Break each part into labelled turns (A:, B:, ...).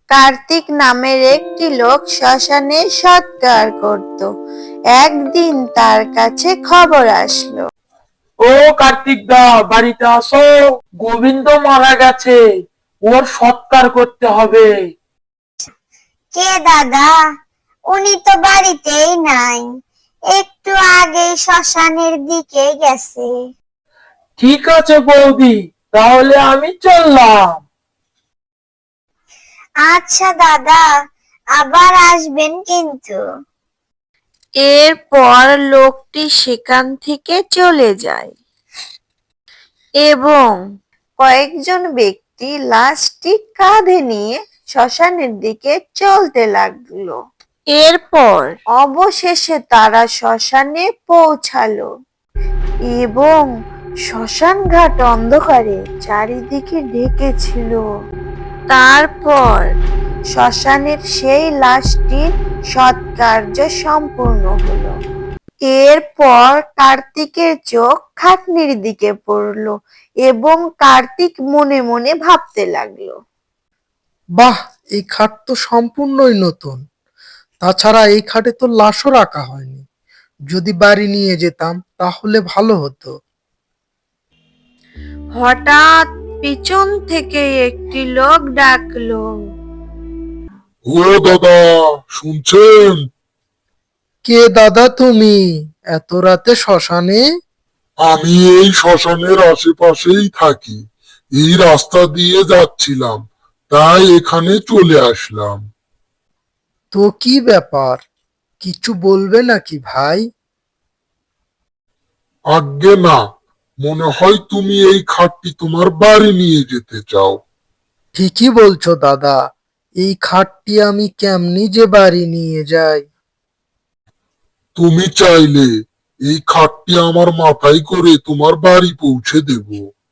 A: কার্তিক নামের একটি লোক শ্মশানে সৎকার করত। একদিন তার কাছে খবর আসলো।
B: ও কার্তিক দা, বাড়িতে আসো। গোবিন্দ মারা গেছে, ওর সৎকার করতে হবে।
C: কে দাদা? উনি তো বাড়িতেই নাই, একটু আগে শ্মশানের দিকে গেছে।
B: ঠিক আছে বৌদি, তাহলে আমি চললাম।
C: আচ্ছা দাদা, আবার আসবেন কিন্তু।
A: এরপর লোকটি সেখান থেকে চলে যায় এবং কয়েকজন ব্যক্তি লাশটি কাঁধে নিয়ে শ্মশানের দিকে চলতে লাগলো। এরপর অবশেষে তারা শ্মশানে পৌঁছালো এবং শ্মশান ঘাট অন্ধকারে চারিদিকে ঢেকেছিল। তারপর শ্মশানের সেই লাশটির সৎকার্য সম্পূর্ণ হলো। এরপর কার্তিকের চোখ খাটনির দিকে পড়ল এবং কার্তিক মনে মনে ভাবতে লাগলো,
D: বাহ, এই খাট তো সম্পূর্ণই নতুন। তাছাড়া এই খাটে তো লাশও রাখা হয়নি। যদি বাড়ি নিয়ে যেতাম তাহলে ভালো হতো।
A: হঠাৎ পিছন থেকে একটি লোক ডাকলো।
E: ও দাদা, শুনছেন?
D: কে দাদা তুমি? এত রাতে শ্মশানে?
E: আমি এই শ্মশানের আশেপাশেই থাকি। এই রাস্তা দিয়ে যাচ্ছিলাম, তাই এখানে চলে আসলাম।
D: তো কি ব্যাপার, কিছু বলবে নাকি ভাই?
E: আজ্ঞে না, মনে হয় তুমি এই খাটটি তোমার বাড়ি নিয়ে যেতে চাও।
D: ঠিকই বলছো দাদা, এই খাটটি আমি কেমনি যে বাড়ি নিয়ে যাই।
E: তুমি চাইলে এই খাটটি আমার মাথায় করে তোমার বাড়ি পৌঁছে দেব।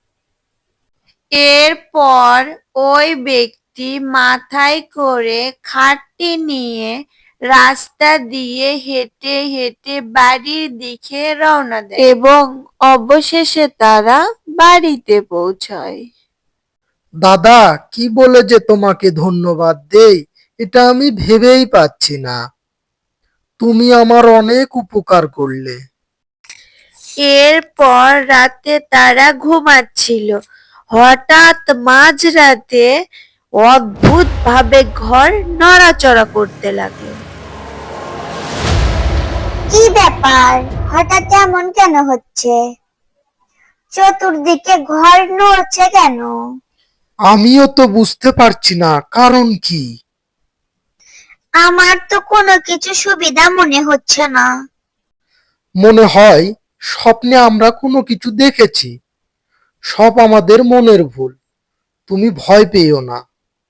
A: এরপর ওই ব্যক্তি মাথায় করে খাটটি নিয়ে রাস্তা দিয়ে হেঁটে হেঁটে বাড়ির দিকে রওনা দেয় এবং অবশেষে তারা বাড়িতে পৌঁছায়।
D: দাদা, কি বলে যে তোমাকে ধন্যবাদ দেই এটা আমি ভেবেই পাচ্ছি না। তুমি আমার অনেক উপকার করলে।
A: এরপর রাতে তারা ঘুমাচ্ছিল, হঠাৎ মাঝরাতে অদ্ভুত ভাবে ঘর নড়াচড়া করতে লাগলো।
C: কি ব্যাপার, হঠাৎ এমন কেন হচ্ছে? চতুর্দিকে ঘর নড়ছে কেন?
D: আমিও তো বুঝতে পারছি না কারণ কি।
C: আমার তো কোনো কিছু সুবিধা মনে হচ্ছে না।
D: মনে হয় স্বপ্নে আমরা কোনো কিছু দেখেছি। সব আমাদের মনের ভুল। তুমি ভয় পেও না।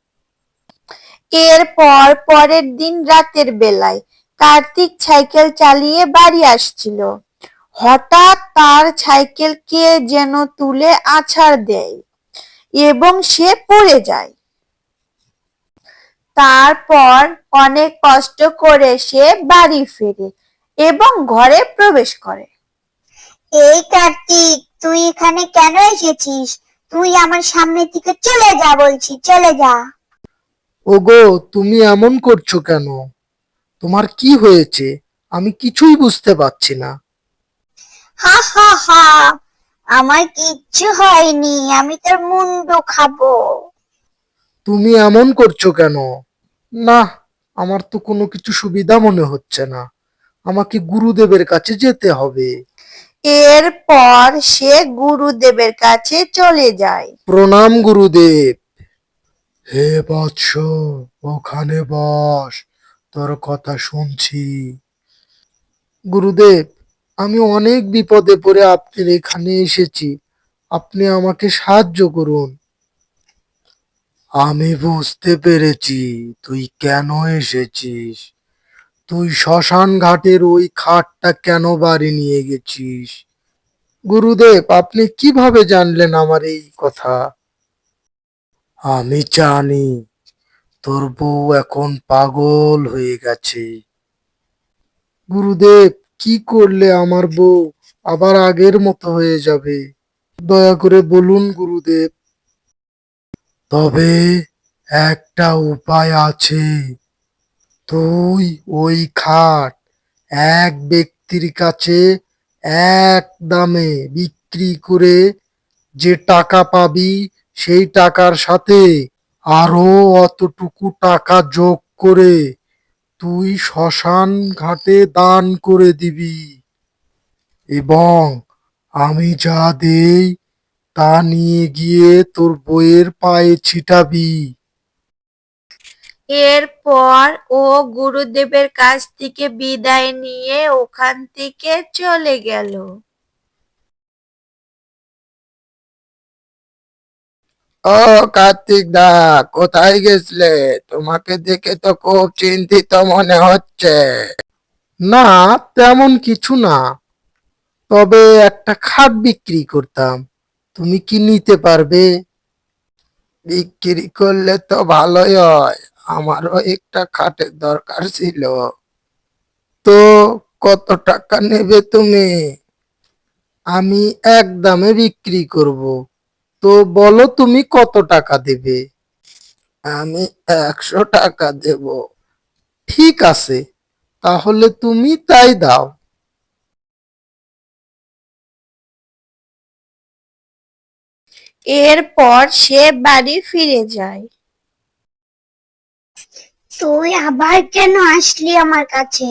A: এরপর পরের দিন রাতের বেলায় কার্তিক সাইকেল চালিয়ে বাড়ি আসছিল। হঠাৎ তার সাইকেল কে যেন তুলে আছাড় দেয় এবং সে পড়ে যায়। তারপর অনেক কষ্ট করে সে বাড়ি ফেরে এবং ঘরে প্রবেশ করে।
C: এই কার্তিক, তুই এখানে কেন এসেছিস? তুই আমার সামনে থেকে চলে যা বলছি, চলে যা।
D: ওগো, তুমি এমন করছো কেন? তোমার কি হয়েছে? আমি কিছুই বুঝতে পারছি না।
C: হা হা হা, আমার কিচ্ছু হয়নি, আমি তোর মুন্ডু খাবো।
D: তুমি এমন করছো কেন? না, আমার তো কোনো কিছু সুবিধা মনে হচ্ছে না। আমাকে গুরুদেবের কাছে যেতে হবে।
A: এরপর সে গুরুদেবের কাছে চলে যায়।
D: প্রণাম গুরুদেব। হে বৎস, ওখানে বস, তোর কথা শুনছি। গুরুদেব, আমি অনেক বিপদে পড়ে আপনার এখানে এসেছি। আপনি আমাকে সাহায্য করুন। আমি বুঝতে পেরেছি তুই কেন এসেছিস। তুই শ্মশান ঘাটের ওই খাটটা কেন বাড়ি নিয়ে গেছিস? গুরুদেব, আপনি কিভাবে জানলেন আমার এই কথা? আমি জানি তোর বউ এখন পাগল হয়ে গেছে। গুরুদেব, কি করলে আমার বউ আবার আগের মতো হয়ে যাবে? দয়া করে বলুন গুরুদেব। তবে একটা উপায় আছে। তুই ওই খাট এক ব্যক্তির কাছে এক দামে বিক্রি করে যে টাকা পাবি, সেই টাকার সাথে আরো অতটুকু টাকা যোগ করে তুই শ্মশান ঘাটে দান করে দিবি, এবং আমি যা দেই তা নিয়ে গিয়ে তোর বইয়ের পায়ে ছিটাবি।
A: এরপর ও গুরুদেবের কাছ থেকে বিদায় নিয়ে ওখান থেকে চলে গেল।
D: ও কার্তিক দা, কোথায় গেছিলে? তোমাকে দেখে তো খুব চিন্তিত মনে হচ্ছে। না, তেমন কিছু না, তবে একটা খাট বিক্রি করতাম। তুমি কি নিতে পারবে? বিক্রি করলে তো ভালোই হয়, আমারও একটা খাটের দরকার ছিল। তো কত টাকা নেবে তুমি? আমি এক দামে বিক্রি করব। তো বলো তুমি কত টাকা দেবে? আমি 100 টাকা দেব। ঠিক আছে, তাহলে তুমি তাই দাও।
A: এরপর সে বাড়ি ফিরে যায়।
C: তুই আবার কেন আসলি আমার কাছে?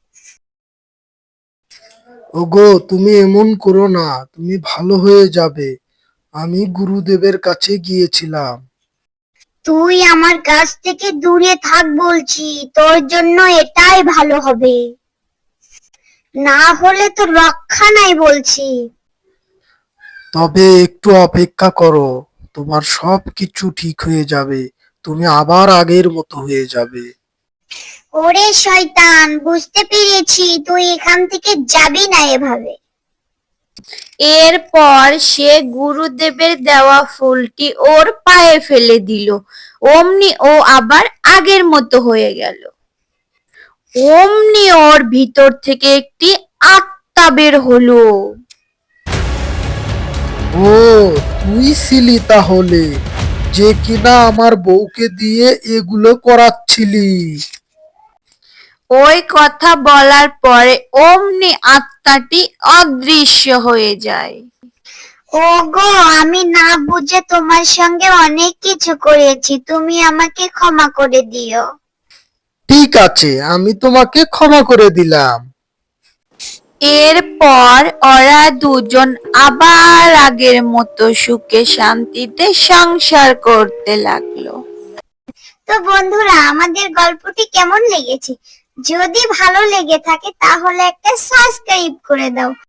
D: ওগো, তুমি এমন করো না, তুমি ভালো হয়ে যাবে। আমি গুরুদেবের কাছে গিয়েছিলাম।
C: তুই আমার কাছ থেকে দূরে থাক বলছি, তোর জন্য এটাই ভালো হবে। না হলে তো রক্ষা নাই বলছি।
D: তবে একটু অপেক্ষা করো, তোমার সব কিছু ঠিক হয়ে যাবে। তুমি আবার আগের মতো হয়ে যাবে।
C: ওরে শয়তান, বুঝতে পেরেছি তুই এখান থেকে যাবি না এভাবে।
A: এরপর সে গুরুদেবের দেওয়া ফুলটি ওর পায়ে ফেলে দিল। অমনি ও আবার আগের মতো হয়ে গেল। অমনি ওর ভিতর থেকে একটি আত্মা বের হলো।
D: ও, তুই ছিলি তাহলে, যে কিনা আমার বউকে দিয়ে এগুলো করাচ্ছিলি।
A: ওই কথা বলার পরে অমনি আত্মাটি অদৃশ্য হয়ে যায়।
C: ওগো, আমি না বুঝে তোমার সঙ্গে অনেক কিছু করেছি, তুমি আমাকে ক্ষমা করে দিও।
D: ঠিক আছে, আমি তোমাকে ক্ষমা করে দিলাম।
A: এরপর ওরা দুজন আবার আগের মতো সুখে শান্তিতে সংসার করতে লাগলো।
C: তো বন্ধুরা, আমাদের গল্পটি কেমন লেগেছে? যদি ভালো লেগে থাকে তাহলে একটা সাবস্ক্রাইব করে দাও।